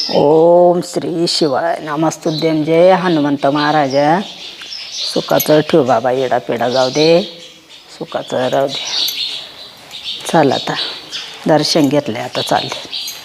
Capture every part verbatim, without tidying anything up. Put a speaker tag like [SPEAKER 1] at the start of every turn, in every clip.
[SPEAKER 1] ओम श्री शिवाय नमस्तुद्यम. जय हनुमंत महाराजा. सुखाचं ठेव बाबा, येडा पेडा जाऊ दे, सुखाचं राहू दे. चल आता दर्शन घेतले, आता चालले.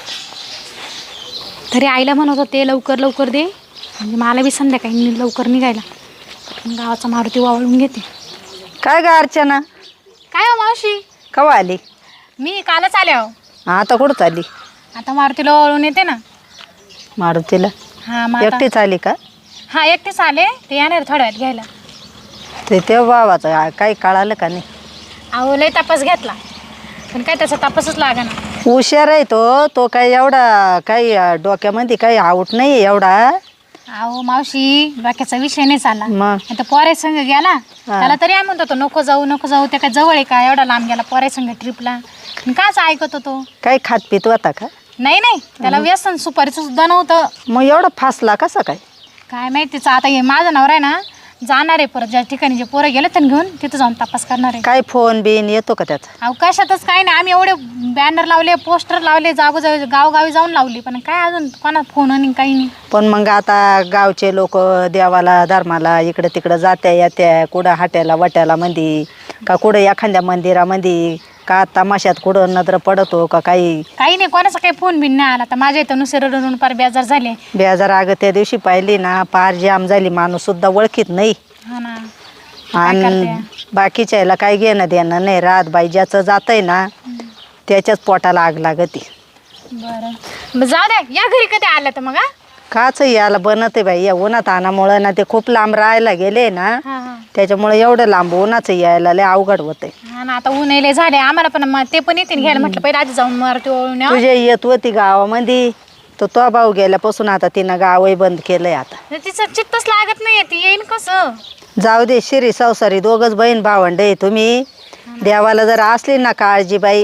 [SPEAKER 2] तरी आईला म्हणत होते लवकर लवकर दे, म्हणजे मला बी संध्याकाळी लवकर निघायला. गावाचा मारुती वावळून घेते.
[SPEAKER 1] काय ग अर्चना,
[SPEAKER 2] काय हो मावशी?
[SPEAKER 1] कवा आली?
[SPEAKER 2] मी कालच आले हो.
[SPEAKER 1] आता कुठं चालली?
[SPEAKER 2] आता मारुतीला वावळून येते ना.
[SPEAKER 1] मारुतीला
[SPEAKER 2] हां मग आता-
[SPEAKER 1] एकटीच आली का?
[SPEAKER 2] हां एकटेच आले, ते येणार थोड्या वेळात घ्यायला.
[SPEAKER 1] ते तेव्हा बाबाचं काही कळालं का नाही?
[SPEAKER 2] अहो लय तपास घेतला, पण काय त्याचा तपासच लागा ना.
[SPEAKER 1] हुशार आहे तो तो काही एवढा काही डोक्यामध्ये काही आऊट नाही एवढा.
[SPEAKER 2] अहो मावशी बाकीचा विषय नाही चालला.
[SPEAKER 1] मग
[SPEAKER 2] आता पोरे संघ गेला, त्याला तरी आम्ही म्हणत होतो नको जाऊ नको जाऊ, ते काय जवळ आहे का एवढा लांब गेला पोरे संघ ट्रिपला. काच ऐकत होतो?
[SPEAKER 1] काही खात पित होता का?
[SPEAKER 2] नाही नाही, त्याला व्यसन सुपारीचं सुद्धा नव्हतं.
[SPEAKER 1] मग एवढा फासला कसा काय?
[SPEAKER 2] काय माहितीच. आता हे माझा नवरा आहे ना, जाणार आहे परत ज्या ठिकाणी जे पोरं गेले त्यांनी घेऊन तिथं जाऊन तपास करणार आहे.
[SPEAKER 1] काय फोन बिन येतो का त्याचा?
[SPEAKER 2] अवकाशातच काय नाही, आम्ही एवढे बॅनर लावले पोस्टर लावले जागोजागी गावगावी जाऊन लावली, पण काय अजून कोणा फोन आणि काही नाही.
[SPEAKER 1] पण मग आता गावचे लोक देवाला धर्माला इकडे तिकडं जात्या येत्या, कुठं हाट्याला वाट्याला मंदी का कुठं एखाद्या मंदिरामध्ये का तमाशात कुठं नजर पडतो का काही
[SPEAKER 2] काही नाही, कोणाचा काही फोन बिन नाही आला. तर माझ्या इथं नुसते रडून पार बेजार झाले.
[SPEAKER 1] बेजार अगं त्या दिवशी पाहिली ना, पार जाम झाली, माणूस सुद्धा ओळखीत नाही.
[SPEAKER 2] हा ना, काय
[SPEAKER 1] आणि
[SPEAKER 2] करते?
[SPEAKER 1] बाकीच्या याला काही घेणं देणं नाही राहत बाई. ज्याचं जातंय ना त्याच्याच पोटाला आग लागती.
[SPEAKER 2] बरं मग जाऊ द्या, या घरी कधी आलं तर मग. हा
[SPEAKER 1] काच याला बनते बाई, या उन्हात आणामुळं ना, ते खूप लांब राहायला गेले ना,
[SPEAKER 2] हा हा
[SPEAKER 1] त्याच्यामुळे एवढं लांब उन्हाचं यायला लय अवघड होतंय.
[SPEAKER 2] हा ना, आता ऊन यायले झाले आम्हाला पण, मग ते पण येतील घ्यायला. म्हटलं पहिले आधी जाऊन मारुती ओळून या.
[SPEAKER 1] तुझ्या येत होती गावामध्ये तर तो भाऊ गेल्यापासून आता तिनं गावही बंद केलंय. आता
[SPEAKER 2] तिचं चित्तच लागत नाही, ती येईन कसं?
[SPEAKER 1] जाऊ दे, शिरी संसारी दोघच बहीण भावंड आहे तुम्ही. देवाला जर असली ना काळजी बाई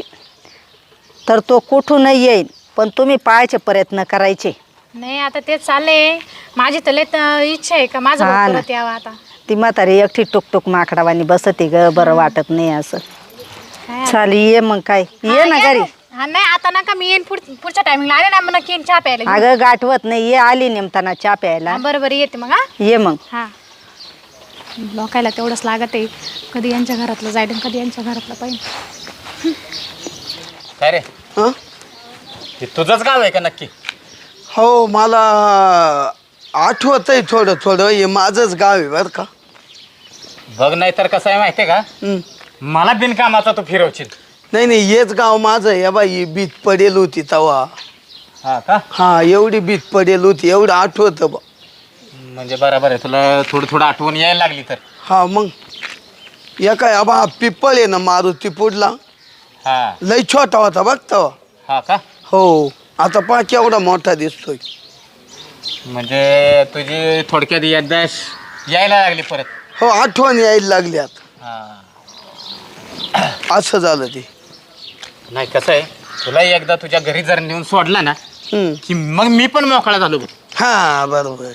[SPEAKER 1] तर तो कुठूनही येईल, पण तुम्ही पाहायचे प्रयत्न करायचे.
[SPEAKER 2] नाही आता तेच चालले माझी तर लय त- इच्छा आहे का माझं
[SPEAKER 1] हा
[SPEAKER 2] भाऊ
[SPEAKER 1] ना.
[SPEAKER 2] परत यावं. आता
[SPEAKER 1] ती म्हातारी एकटी टुकटुक माकडावानी बसती ग, बरं वाटत नाही असं.
[SPEAKER 2] काय
[SPEAKER 1] चाल ये मग, काय ये
[SPEAKER 2] हा,
[SPEAKER 1] ना
[SPEAKER 2] या
[SPEAKER 1] घरी.
[SPEAKER 2] ना. हा नाही आता नका, मी येईन पुढ- पुढच्या टायमिंगला आले ना मग नक्की येईन चहा प्यायला घेऊन.
[SPEAKER 1] अगं गाठवत नाही, ये आली नेमताना चहा प्यायला.
[SPEAKER 2] हा, बरं बरं येते मग. हा
[SPEAKER 1] ये मग.
[SPEAKER 2] हा लोकायला तेवढंच लागत आहे, कधी यांच्या घरातलं जायचं कधी यांच्या घरातलं पाहिजे.
[SPEAKER 3] काय रे,
[SPEAKER 4] हं?
[SPEAKER 3] हे तुझंच गाव आहे का नक्की?
[SPEAKER 4] हो, मला आठवत आहे थोडं थोडं. हे माझंच गाव आहे बरं का.
[SPEAKER 3] बघ नाही तर कसं आहे माहितीये का,
[SPEAKER 4] हं.
[SPEAKER 3] मला बिनकामाचा तू फिरवशील.
[SPEAKER 4] नाही नाही, हेच गाव माझं आहे. बाई ही बीत पडेल होती तवा.
[SPEAKER 3] हा का?
[SPEAKER 4] हा, एवढी बीत पडेल होती, एवढं आठवतं बा.
[SPEAKER 3] म्हणजे बरोबर आहे, तुला थोडं थोडं आठवण यायला लागली तर.
[SPEAKER 4] हा मग या काय आबा, हा पिप्पळ आहे ना मारुती पुढला,
[SPEAKER 3] हा
[SPEAKER 4] लय छोटा होता बघ तवा.
[SPEAKER 3] हा का?
[SPEAKER 4] हो, आता पहा केवढा मोठा दिसतोय.
[SPEAKER 3] म्हणजे तुझी थोडक्यात याददाश्त यायला लागली परत.
[SPEAKER 4] हो, आठवण यायला लागली आता.
[SPEAKER 3] हा
[SPEAKER 4] असं झालं ते.
[SPEAKER 3] नाही कसं आहे, तुला एकदा तुझ्या घरी जर नेऊन सोडला ना
[SPEAKER 4] हं.
[SPEAKER 3] की मग मी पण मोकळा झालो बघ.
[SPEAKER 4] हा बरोबर.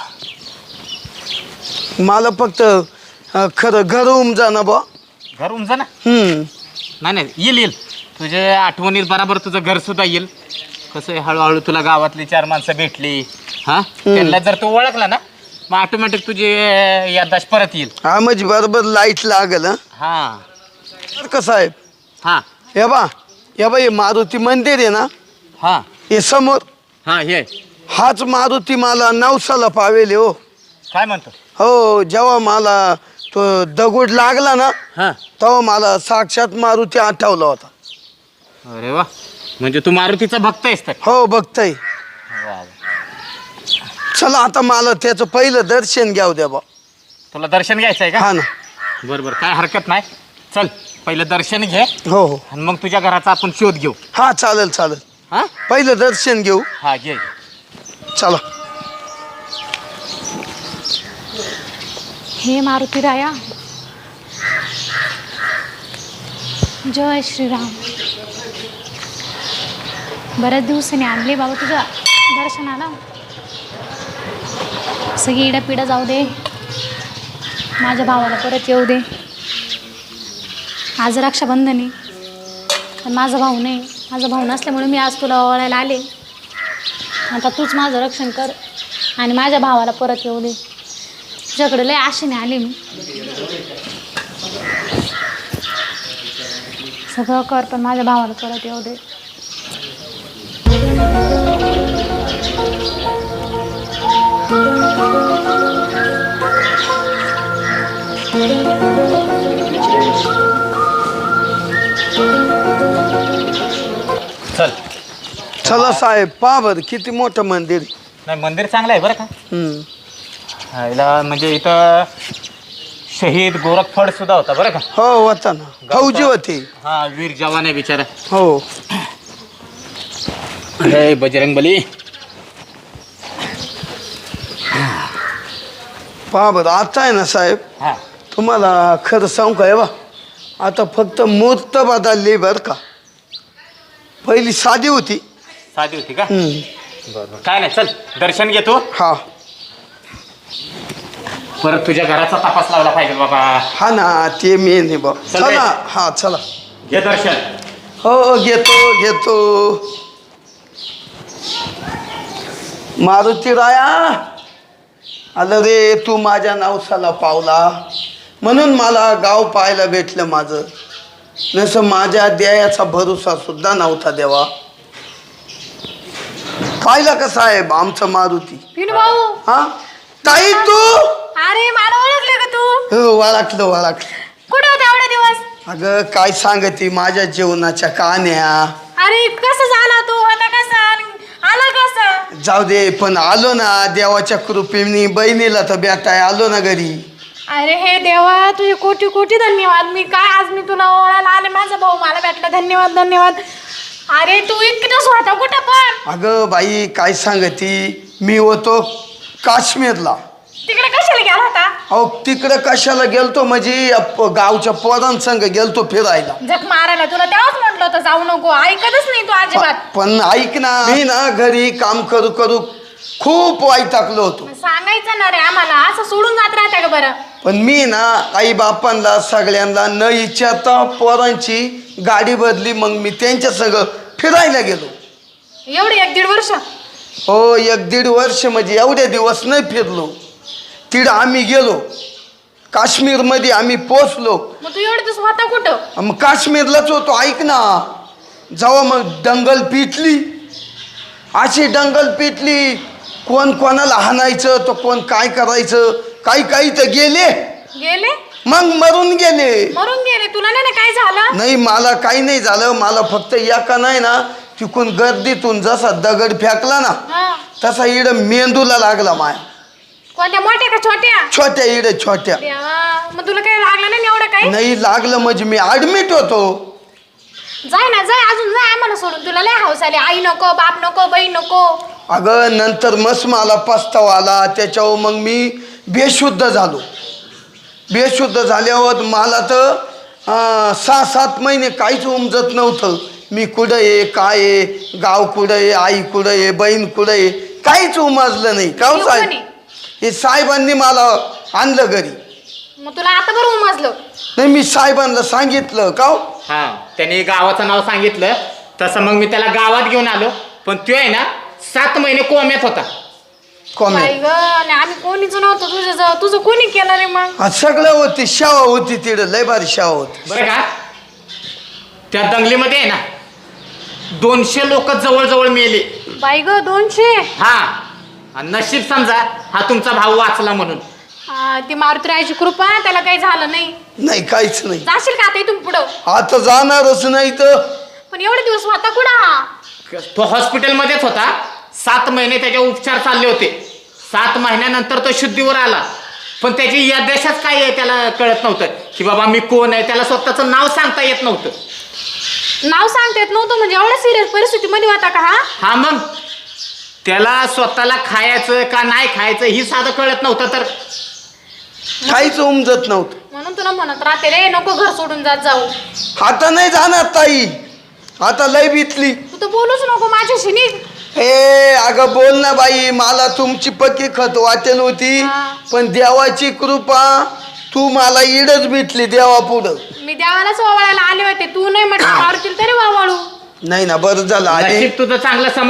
[SPEAKER 4] मला फक्त अं, खरं घर उमजा ना बा.
[SPEAKER 3] घर उमजा ना.
[SPEAKER 4] हम्म.
[SPEAKER 3] नाही नाही, येईल येईल तुझ्या आठवणीत बराबर तुझं घर सुद्धा येईल. कसं आहे, हळूहळू तुला गावातली चार माणसं भेटली, हा त्यांना जर तू ओळखला ना मग ऑटोमॅटिक तुझी याददाश्त परत येईल.
[SPEAKER 4] हा म्हणजे बरोबर लाईट लागल. हं?
[SPEAKER 3] हा
[SPEAKER 4] बरं का साहेब,
[SPEAKER 3] हा
[SPEAKER 4] हे बा हे बा हे मारुती मंदिर आहे ना,
[SPEAKER 3] हा
[SPEAKER 4] हे समोर
[SPEAKER 3] हा हे
[SPEAKER 4] हाच मारुती मला नवसाला पावेल हो.
[SPEAKER 3] काय म्हणतो?
[SPEAKER 4] हो, जेव्हा मला तो दगड लागला ना
[SPEAKER 3] हा
[SPEAKER 4] तेव्हा मला साक्षात मारुती आठवला होता.
[SPEAKER 3] अरे वा, म्हणजे तू मारुतीचा भक्त आहेस तर.
[SPEAKER 4] हो, बघताय.
[SPEAKER 3] वा वा.
[SPEAKER 4] चला आता मला त्याचं पहिलं दर्शन घ्याव द्या बा.
[SPEAKER 3] तुला दर्शन घ्यायचं आहे का?
[SPEAKER 4] हा ना.
[SPEAKER 3] बरं बरं, काय हरकत नाही. चल पहिलं दर्शन घे
[SPEAKER 4] हो हो,
[SPEAKER 3] आणि मग तुझ्या घराचा आपण शोध घेऊ.
[SPEAKER 4] हा चालेल चालेल.
[SPEAKER 3] हा
[SPEAKER 4] पहिलं दर्शन घेऊ.
[SPEAKER 3] हा घे.
[SPEAKER 4] चला.
[SPEAKER 2] हे मारुती राया, जय श्रीराम. बऱ्याच दिवसांनी आणले बाबा तुझ्या दर्शनाला. सगळी इडापिडा जाऊ दे, माझ्या भावाला परत येऊ दे. आज रक्षाबंधन आहे, पण माझा भाऊ नाही. माझा भाऊ नसल्यामुळे मी आज तुला ओळायला आले. आता तूच माझं रक्षण कर आणि माझ्या भावाला परत येऊ दे. तुझ्याकडे लय आशेने आले मी. सगळं कर पण माझ्या भावाला परत येऊ दे.
[SPEAKER 3] चल.
[SPEAKER 4] चला साहेब पहा बरं किती मोठं मंदिर आहे.
[SPEAKER 3] नाही मंदिर चांगलं आहे बरं का.
[SPEAKER 4] हम्म.
[SPEAKER 3] ह्याला म्हणजे इथं शहीद गोरखफड सुद्धा होता बरं का.
[SPEAKER 4] हो होता ना, फौजी होते.
[SPEAKER 3] हा वीर जवान आहे बिचारा.
[SPEAKER 4] हो
[SPEAKER 3] अरे बजरंग बली.
[SPEAKER 4] पहा बरं आता आहे ना साहेब,
[SPEAKER 3] हा
[SPEAKER 4] तुम्हाला खरं सांगू का, हे बा आता फक्त मूर्त बदलली बरं का. पहिली साधी होती.
[SPEAKER 3] साधी होती का.
[SPEAKER 4] हम्म.
[SPEAKER 3] बरं काय नाही चल दर्शन घेतो.
[SPEAKER 4] हा
[SPEAKER 3] परत तुझ्या घराचा तपास लावला पाहिजे बाबा.
[SPEAKER 4] हा ना ते मेन आहे बा.
[SPEAKER 3] चल रे.
[SPEAKER 4] चला हा चला.
[SPEAKER 3] घे दर्शन.
[SPEAKER 4] हो घेतो घेतो. मारुती राया आलं रे, तू माझ्या नवसाला पावला म्हणून मला गाव पाहायला भेटलं माझं. नसं माझ्या द्यायाचा भरोसा सुद्धा नव्हता देवा. पाहिला का साहेब आमचं मारुती.
[SPEAKER 2] पिनू भाऊ.
[SPEAKER 4] हा ताई तू.
[SPEAKER 2] अरे मला ओळखले का तू.
[SPEAKER 4] हो वाळखलं वाळखलं.
[SPEAKER 2] कुठे होते एवढे दिवस.
[SPEAKER 4] अगं काय सांगते माझ्या जीवनाच्या कहाण्या.
[SPEAKER 2] अरे कसं झाला तू आता कसा आला कसं.
[SPEAKER 4] जाऊ दे पण आलो ना देवाच्या कृपेने, बहिणीला तर भेटाय आलो ना घरी.
[SPEAKER 2] अरे हे देवा तुझे कोटी कोटी धन्यवाद. मी काय आज मी तुला ओळायला आले, माझा भाऊ मला भेटला. धन्यवाद धन्यवाद. अरे तू इतकं स्वतः कुठं पण.
[SPEAKER 4] अगं बाई काय सांगती, मी होतो काश्मीरला.
[SPEAKER 2] तिकडे कशाला गेला होता.
[SPEAKER 4] अहो तिकडं कशाला गेलतो म्हणजे अप- गावच्या पोरांसंग गेलतो फिरायला.
[SPEAKER 2] जग मारायला. तुला तेव्हाच म्हटलं होतं जाऊ नको, ऐकतच नाही तू अजिबात.
[SPEAKER 4] प- पण ऐक ना, मी ना घरी काम करू करू खूप वैतागलो होतो.
[SPEAKER 2] सांगायचं ना रे आम्हाला, असं सोडून जात राहता का बरं.
[SPEAKER 4] पण मी ना आई बापांना सगळ्यांना न विचारता पोरांची गाडी बदली, मग मी त्यांच्या संग फिरायला गेलो.
[SPEAKER 2] एवढे एक दीड वर्ष.
[SPEAKER 4] हो एक दीड वर्ष म्हणजे एवढे दिवस नाही फिरलो. तिकडं आम्ही गेलो काश्मीरमध्ये, आम्ही पोचलो.
[SPEAKER 2] मग तू एवढे दिवस होता कुठं.
[SPEAKER 4] मग काश्मीरलाच होतो. ऐक ना, जेव्हा मग दंगल पिटली, अशी दंगल पिटली, कोण कोणाला हाणायचं तर कोण काय करायचं, काही काही तर गेले,
[SPEAKER 2] गेले
[SPEAKER 4] मग मरून गेले.
[SPEAKER 2] मरून गेले. तुला नाही ना काय झालं.
[SPEAKER 4] नाही मला काही नाही झालं. मला फक्त एका नाही ना तिकून गर्दीतून जसा दगड फेकला ना
[SPEAKER 2] हा.
[SPEAKER 4] तसा इड मेंदूला लागला माया.
[SPEAKER 2] कोणत्या मोठ्या का छोट्या.
[SPEAKER 4] छोट्या इड छोट्या.
[SPEAKER 2] देवा, मग तुला काही लागलं नाही एवढं काही.
[SPEAKER 4] नाही लागलं म्हणजे मी ऍडमिट होतो.
[SPEAKER 2] जाय ना जाय, अजून जाय आम्हाला सोडून. तुला लय हौस आली. आई नको, बाप नको, बहीण नको.
[SPEAKER 4] अगं नंतर मस्त मला पस्तावा आला. त्याच्यावर मग मी बेशुद्ध झालो. बेशुद्ध झाल्यावर मला तर अं, सहा सात महिने काहीच उमजत नव्हतं. मी कुठं आहे, काय आहे, गाव कुठं आहे, आई कुठं आहे, बहीण कुठं आहे, काहीच उमजलं नाही. का हो
[SPEAKER 2] येऊ
[SPEAKER 4] साहेब,
[SPEAKER 2] कोणी?
[SPEAKER 4] हे साहेबांनी मला आणलं घरी.
[SPEAKER 2] मग तुला आता बरं उमजलं.
[SPEAKER 4] नाही मी साहेबांना सांगितलं. का हो?
[SPEAKER 3] हा त्यांनी गावाचं नाव सांगितलं तसं मग मी त्याला गावात घेऊन आलो. पण तो आहे ना सात महिने कोम्यात होता.
[SPEAKER 4] कॉमेंट
[SPEAKER 2] बाई ग, आणि आम्ही कोणीच नव्हतं तुझ्या जवळ. तुझं कोणी केलं रे मग.
[SPEAKER 4] सगळं होती, शावा होती तिकडं, लय भारी शावा होती.
[SPEAKER 3] बरं का त्या दंगलीमध्ये आहे ना दोनशे लोक जवळजवळ मेले.
[SPEAKER 2] बाई ग दोनशे.
[SPEAKER 3] हा आणि नशीब समजा हा तुमचा भाऊ वाचला म्हणून.
[SPEAKER 2] हा, ती मारुतीरायाची कृपा, त्याला काही झालं नाही.
[SPEAKER 4] नाही काहीच नाही.
[SPEAKER 2] जाशील का आता इथून पुढं.
[SPEAKER 4] आता जाणारच नाही तर.
[SPEAKER 2] पण एवढे दिवस होता कुठं हा.
[SPEAKER 3] तो हॉस्पिटलमध्येच होता. सात महिने त्याचे उपचार चालले होते. सात महिन्यानंतर तो शुद्धीवर आला. पण त्याची या देशात काय आहे त्याला कळत नव्हतं की बाबा मी कोण आहे. त्याला स्वतःचं नाव सांगता येत नव्हतं.
[SPEAKER 2] नाव सांगता येत नव्हतं म्हणजे एवढ्या सिरियस परिस्थितीमध्ये होता का हा.
[SPEAKER 3] हा मग त्याला स्वतःला खायचं का नाही खायचं ही साधं कळत नव्हतं. तर
[SPEAKER 4] काहीच उमजत नव्हतं.
[SPEAKER 2] म्हणून तुला म्हणत राहते रे, नको घर सोडून जात जाऊ.
[SPEAKER 4] आता नाही जाणार ताई, आता लय बितली.
[SPEAKER 2] तू तर बोलूच नको माझ्याशी. निघ.
[SPEAKER 4] हे अगं बोल ना बाई, मला तुमची पक्की खत वाटेल होती.
[SPEAKER 2] हा.
[SPEAKER 4] पण देवाची कृपा, तू मला इडच भेटली देवा पुढं.
[SPEAKER 2] मी देवालाच वावळायला आले होते. तू नाही म्हटलं मारुतीला तरी वावळू.
[SPEAKER 4] नाही ना बरं झालं आले.
[SPEAKER 3] नशीब तुझं चांगलं समज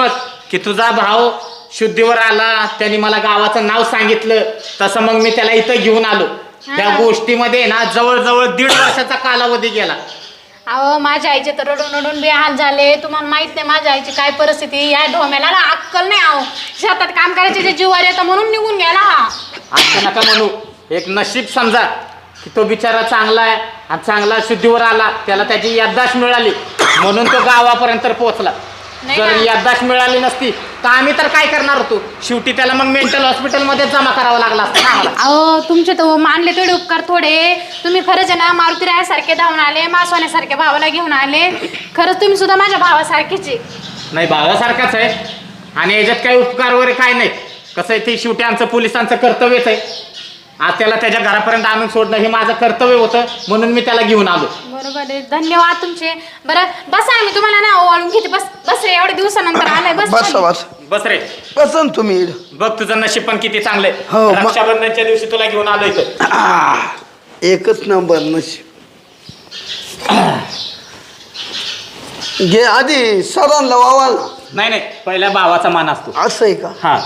[SPEAKER 3] की तुझा भाऊ शुद्धीवर आला, त्यांनी मला गावाचं नाव सांगितलं, तसं मग मी त्याला इथं घेऊन आलो. त्या गोष्टीमध्ये ना जवळजवळ दीड वर्षाचा कालावधी गेला.
[SPEAKER 2] अहो माझ्या आईचे तर रडून रडून बेहाल झाले. तुम्हाला माहित नाही माझ्या आईची काय परिस्थिती. या ढोम्याला ना अक्कल नाही. आहो शेतात काम करायचे जे जीवावर येतं म्हणून निघून गेला हा.
[SPEAKER 3] असं नका म्हणू. एक नशीब समजा की तो बिचारा चांगला आहे आणि चांगला शुद्धीवर आला, त्याला त्याची याददाश्त मिळाली म्हणून तो गावापर्यंत पोहोचला. जर याददाश्त मिळाली नसती तर आम्ही तर काय करणार होतो. शेवटी त्याला मग मेंटल हॉस्पिटलमध्ये जमा करावं लागला असतं ना आम्हाला.
[SPEAKER 2] अहो तुमचे तर मानले तेवढे उपकार थोडे. तुम्ही खरंच आहे ना मारुती रायासारखे धावून आले, मासवाण्यासारख्या भावाला घेऊन आले. खरंच तुम्ही सुद्धा माझ्या भावासारखेच आहे.
[SPEAKER 3] नाही, भावासारखाच आहे आणि याच्यात काही उपकार वगैरे काय नाही. कसं आहे ते शेवटी आमचं पोलिसांचं कर्तव्यच आहे. आज त्याला त्याच्या घरापर्यंत आणून सोडणं हे माझं कर्तव्य होतं म्हणून मी त्याला घेऊन आलो.
[SPEAKER 2] बरोबर आहे. धन्यवाद तुमचे. बरं बसा, आम्ही तुम्हाला ना ओवाळून घेते. बस बस रे, एवढ्या दिवसानंतर आलाय. बस
[SPEAKER 4] बस बस
[SPEAKER 3] बस रे.
[SPEAKER 4] बसन तुम्ही.
[SPEAKER 3] बघ तुझं नशीब पण किती चांगलंय.
[SPEAKER 4] हो, मग-
[SPEAKER 3] रक्षाबंधनच्या दिवशी तुला घेऊन आलो इथं.
[SPEAKER 4] आह, एकच नंबर नशीब. घे आधी सरांना वावाला.
[SPEAKER 3] नाही नाही, पहिल्या भावाचा मान असतो.
[SPEAKER 4] असं आहे का?
[SPEAKER 3] हा,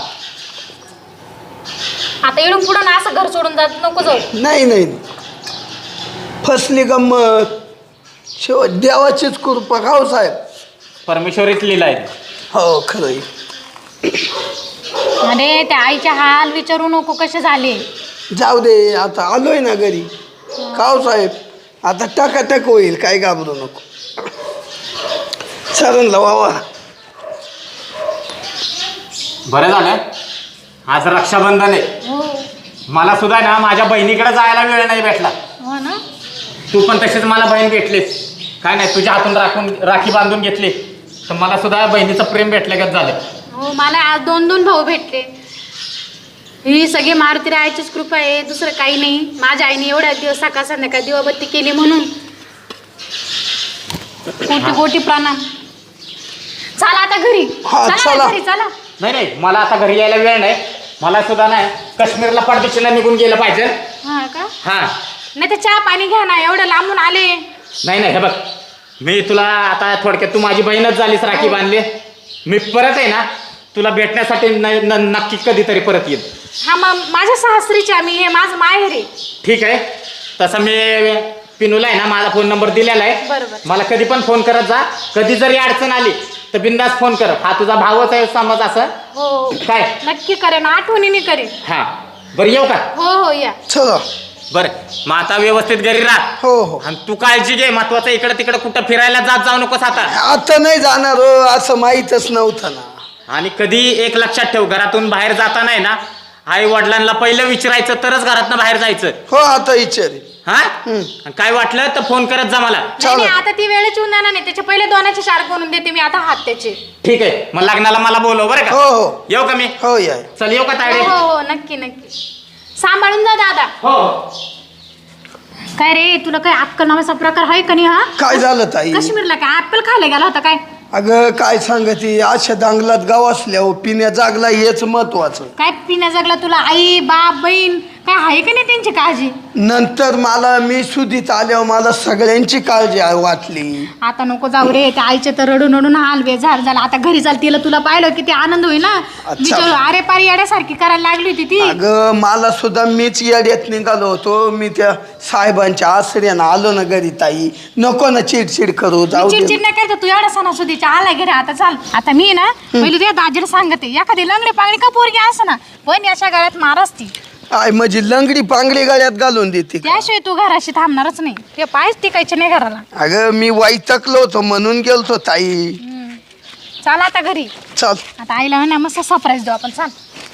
[SPEAKER 2] आता इडून पुढं ना असं घर सोडून जात नको जाऊ.
[SPEAKER 4] नाही नाही, फसली गंमत. शेवट देवाचीच कृपा. खाऊ साहेब.
[SPEAKER 3] परमेश्वरीच लिहिलाय.
[SPEAKER 4] हो खरं आहे.
[SPEAKER 2] अरे त्या आईच्या हाल विचारू नको कसे झाले.
[SPEAKER 4] जाऊ दे, आता आलोय ना घरी. खाऊ साहेब, आता टकाटक होईल, काय घाबरू नको. सरांना वावा.
[SPEAKER 3] बरं झालं आज रक्षाबंधन आहे.
[SPEAKER 2] हो
[SPEAKER 3] मला सुद्धा ना माझ्या बहिणीकडे जायला वेळ नाही भेटला.
[SPEAKER 2] हो ना.
[SPEAKER 3] तू पण तशीच मला बहीण भेटलीस. काय नाही, तुझ्या हातून राखून राखी बांधून घेतली तर मला सुद्धा बहिणीचं प्रेम भेटल्यागत झालं.
[SPEAKER 2] हो मला आज दोन दोन भाऊ भेटले. ही सगळी मारुती रायाचीच कृपा आहे, दुसरं काही नाही. माझ्या आईने एवढ्या दिवस सकाळ संध्याकाळ दिवाबत्ती केली म्हणून कोटी कोटी प्रणाम. चला आता घरी.
[SPEAKER 4] हा,
[SPEAKER 2] चला
[SPEAKER 4] चला.
[SPEAKER 2] ना घरी चला.
[SPEAKER 3] नाही नाही, मला आता घरी यायला वेळ नाही. मला सुद्धा नाही काश्मीरला परदेशीला निघून गेलं पाहिजे.
[SPEAKER 2] हा का?
[SPEAKER 3] हा,
[SPEAKER 2] नाही तर चहा पाणी घ्या ना, एवढं लांबून आले.
[SPEAKER 3] नाही नाही, हे बघ मी तुला आता थोडक्यात तू माझी बहीणच झालीस, राखी बांधली. मी परत आहे ना तुला भेटण्यासाठी न- न- नक्की कधीतरी परत येईल.
[SPEAKER 2] हा मग माझ्या सासरीचे आम्ही, हे माझं माहेर आहे.
[SPEAKER 3] ठीक आहे, तसं मी पिनूला आहे ना माझा फोन नंबर दिलेला आहे.
[SPEAKER 2] बरोबर.
[SPEAKER 3] मला कधी पण फोन करत जा. कधी जरी अडचण आली तर बिंदास फोन कर. हा तुझा भावच आहे समज. असं
[SPEAKER 2] हो
[SPEAKER 3] काय?
[SPEAKER 2] नक्की करेन, आठवणीने करेन.
[SPEAKER 3] हा, बरं येऊ का?
[SPEAKER 2] हो हो या.
[SPEAKER 4] चला.
[SPEAKER 3] बरं मग आता व्यवस्थित घरी राहा.
[SPEAKER 4] हो हो.
[SPEAKER 3] आणि तू काळजी घे. महत्वाचं इकडं तिकडं कुठं फिरायला जात जाऊ नकोस आता.
[SPEAKER 4] आता नाही जाणार हो, असं माहीतच नव्हतं ना.
[SPEAKER 3] आणि कधी एक लक्षात ठेव, घरातून बाहेर जाताना आहे ना आई वडिलांना पहिलं विचारायचं तरच घरातनं बाहेर जायचं.
[SPEAKER 4] हो आता विचारी.
[SPEAKER 3] हा, आणि काय वाटलं तर फोन करत जा मला.
[SPEAKER 2] नाही नाही, आता ती वेळेची उन्हाळा नाही, त्याच्या पहिले दोनाचे चार बनवून देते मी आता हात त्याचे.
[SPEAKER 3] ठीक आहे, मग लग्नाला मला बोलव बरं
[SPEAKER 4] हो
[SPEAKER 3] का.
[SPEAKER 4] हो
[SPEAKER 3] येऊ का मी?
[SPEAKER 4] हो या.
[SPEAKER 3] चल येऊ का
[SPEAKER 2] हो
[SPEAKER 3] तायडे?
[SPEAKER 2] हो हो नक्की नक्की. सांभाळून जा दादा.
[SPEAKER 3] हो.
[SPEAKER 2] काय रे, तुला काय अक्कल नावाचा प्रकार आहे का नाही? हा
[SPEAKER 4] काय झालं ताई?
[SPEAKER 2] काश्मीरला काय ऍपल खायला गेला होता काय?
[SPEAKER 4] अगं काय सांगते, अशा दांगलात गाव असल्या हो, पिण्या जागला हेच महत्वाचं.
[SPEAKER 2] काय पिण्या जगला तुला आई बाप बहीण काय आहे का नाही त्यांची काळजी?
[SPEAKER 4] नंतर मला मी सुधीत आल्यावर मला सगळ्यांची काळजी आ- वाटली.
[SPEAKER 2] आता नको जाऊ रे, त्या आईचे तर रडून रडून हाल बेजार झाला. आता घरी चाल, तिला तुला पाहिलं किती आनंद होईल ना. बिचारू अरे पारी येड्यासारखी करायला लागली होती ती.
[SPEAKER 4] अगं मला सुद्धा मीच येड्यात निघालो होतो. मी त्या साहेबांच्या आश्रयानं आलो ना घरी. ताई नको ना चिडचिड करू, जाऊ दे.
[SPEAKER 2] चिडचिड नाही करायचं, तू एवढा सणासुदीच्या आला घरी. आता चाल, आता मी ना पहिले तुझ्या दाजीला सांगते, एखादी लंगडी पांगडी का पोरगी असं ना पण याच्या गळ्यात मार असती.
[SPEAKER 4] आय म्हणजे लंगडी पांगडी गळ्यात घालून देते का?
[SPEAKER 2] त्याशिवाय तू घराशी थांबणारच नाही. ते पायच टिकायचे नाही घराला.
[SPEAKER 4] अगं मी वैतकलो होतो म्हणून गेलतो ताई.
[SPEAKER 2] चाल आता घरी.
[SPEAKER 4] चल.
[SPEAKER 2] आता आईला ना मस्त सरप्राईज देऊ आपण. चाल.